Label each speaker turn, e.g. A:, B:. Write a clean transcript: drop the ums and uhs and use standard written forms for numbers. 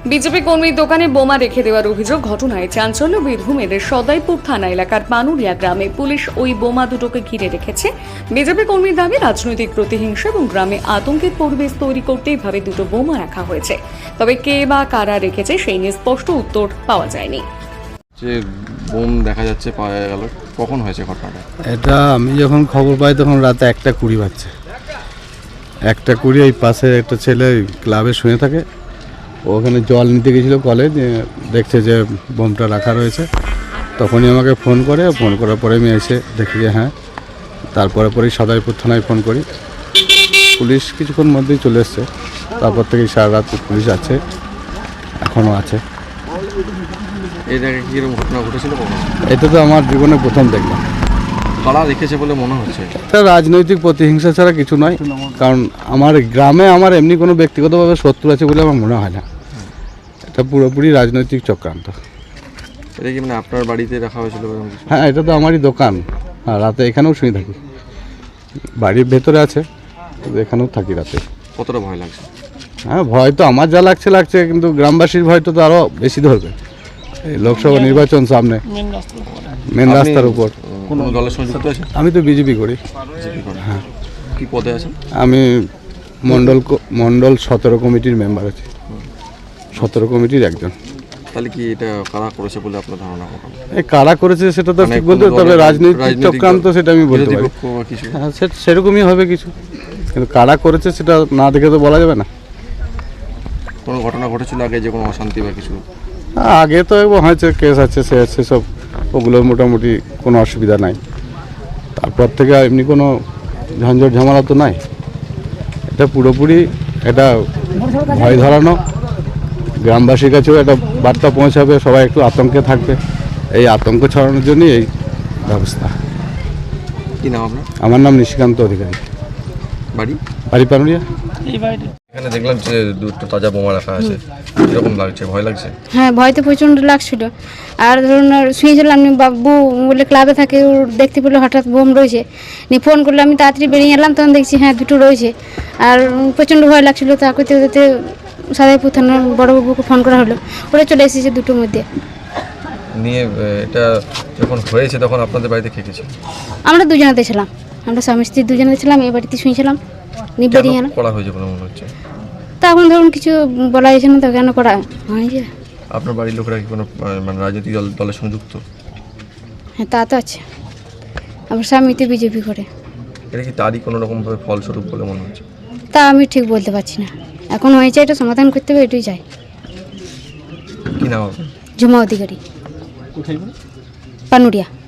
A: BJP কর্মীর দোকানে বোমা রেখে দেওয়ার অভিযোগ ঘটনায় চাঞ্চল্য বীরভূমের সদাইপুর থানা এলাকার পানুরিয়া গ্রামে পুলিশ ওই বোমা দুটোকে ঘিরে রেখেছে। বিজেপি কর্মীর দাবি রাজনৈতিক প্রতিহিংসা এবং গ্রামে আতঙ্কের পরিবেশ তৈরি করতে এভাবে দুটো বোমা রাখা হয়েছে। তবে কে বা কারা রেখেছে সেই নিয়ে স্পষ্ট উত্তর পাওয়া যায়নি।
B: যে বোম দেখা যাচ্ছে পাওয়া গেল, কখন হয়েছে ঘটনাটা?
C: এটা আমি যখন খবর পাই তখন রাতে 1:20 বাজছে। 1:20 এই পাশে একটা ছেলে ক্লাবে শুয়ে থাকে, ওখানে জল নিতে গেছিলো কলে, যে দেখছে যে বোমটা রাখা রয়েছে। তখনই আমাকে ফোন করার পরে আমি এসে দেখি যে হ্যাঁ, পরেই সদাইপুর থানায় ফোন করি। পুলিশ কিছুক্ষণ মধ্যেই চলে এসছে। তারপর থেকে সারা রাত পুলিশ আছে, এখনও আছে।
B: এর আগে কি এরকম ঘটনা ঘটেছিল?
C: এটা তো আমার জীবনে প্রথম দেখলাম।
B: কারা রেখেছে বলে মনে হচ্ছে?
C: এটা রাজনৈতিক প্রতিহিংসা ছাড়া কিছু নয়, কারণ আমার গ্রামে আমার এমনি কোনো ব্যক্তিগতভাবে শত্রু আছে বলে আমার মনে হয় না। এটা পুরোপুরি রাজনৈতিক চক্রান্ত।
B: এটা কি মানে আপনার বাড়িতে রাখা হয়েছিল?
C: হ্যাঁ, এটা তো আমারই দোকান। হ্যাঁ, রাতে এখানেও শুয়ে থাকি। বাড়ির ভেতরে আছে, এখানেও থাকি রাতে।
B: কতটা ভয় লাগছে?
C: হ্যাঁ, ভয় তো আমার যা লাগছে, কিন্তু গ্রামবাসীর ভয় তো আরও বেশি ধরবে। এই লোকসভা নির্বাচন সামনে, মেন রাস্তার উপর।
B: কোনো দলের সঙ্গে যুক্ত আছে?
C: আমি তো বিজেপি করি।
B: হ্যাঁ। কি পদে আছেন?
C: আমি মণ্ডল 17 কমিটির মেম্বার আছি। 17 কমিটির একজন।
B: তাহলে কি এটা কারা করেছে বলে আপনার ধারণা?
C: এই কারা করেছে সেটা তো ঠিক বলতে, তবে রাজনৈতিক চক্রান্ত সেটা আমি বলতে পারি। হ্যাঁ, সেরকমই হবে কিছু, কিন্তু কারা করেছে সেটা না দেখে তো বলা যাবে না।
B: কোনো ঘটনা ঘটেছিল আগে, যে কোনো অশান্তি বা কিছু?
C: আগে তো হয়েছে, কেস আছে, সে আছে, সব ওগুলোর মোটামুটি কোনো অসুবিধা নাই। তারপর থেকে এমনি কোনো ঝঞ্ঝট ঝামেলা তো নাই। এটা পুরোপুরি এটা ভয় ধরানো, গ্রামবাসীর কাছেও একটা বার্তা পৌঁছাবে, সবাই একটু আতঙ্কে থাকবে। এই আতঙ্ক ছড়ানোর জন্যই এই ব্যবস্থা।
B: কি নাম আপনার?
C: আমার নাম নিশিকান্ত অধিকারী। বাড়ি পানুরিয়া।
B: এখানে দেখলাম যে দুটো তাজা বোমা রাখা আছে, কিরকম লাগছে? ভয় লাগছে?
D: হ্যাঁ, ভয় তো প্রচণ্ড লাগছিল। আর ধরুন শুয়েছিলাম, বাবু বলে ক্লাবে থাকে, ওর দেখতে পেলো হঠাৎ বোম রয়েছে, নিয়ে ফোন করলো। আমি তাড়াতাড়ি বেরিয়ে এলাম, তখন দেখছি হ্যাঁ দুটো রয়েছে। আর প্রচণ্ড ভয় লাগছিলো। তা করতে করতে সদাইপুর থানার বড়োবাবুকে ফোন করা হলো, ওরা চলে এসেছে দুটোর মধ্যে
B: নিয়ে। এটা যখন হয়েছে তখন আপনাদের বাড়িতে কে ছিল?
D: আমরা দুজনেতে ছিলাম, আমরা স্বামী স্ত্রী দুজনেতে ছিলাম। এই বাড়িতে শুয়েছিলাম, নিয়ে বেরিয়ে এলাম।
B: করা হয়েছে বলে মনে হচ্ছে?
D: তা এখন ধরুন কিছু বলা যাচ্ছে না, তো কেন করা হয়েছে।
B: আপনার বাড়ির লোকেরা কি কোনো মানে রাজনৈতিক দলের সঙ্গে যুক্ত?
D: হ্যাঁ, তা তো আছে। আমার স্বামী তো বিজেপি করে।
B: এটা কি তারই কোনো রকমভাবে ফলস্বরূপ বলে মনে হচ্ছে?
D: তা আমি ঠিক বলতে পারছি না। এখন হয়েছে, এটা সমাধান করতে হবে, এটাই চাই।
B: কি নাম আপনার?
D: ঝুমা অধিকারী, পানুরিয়া।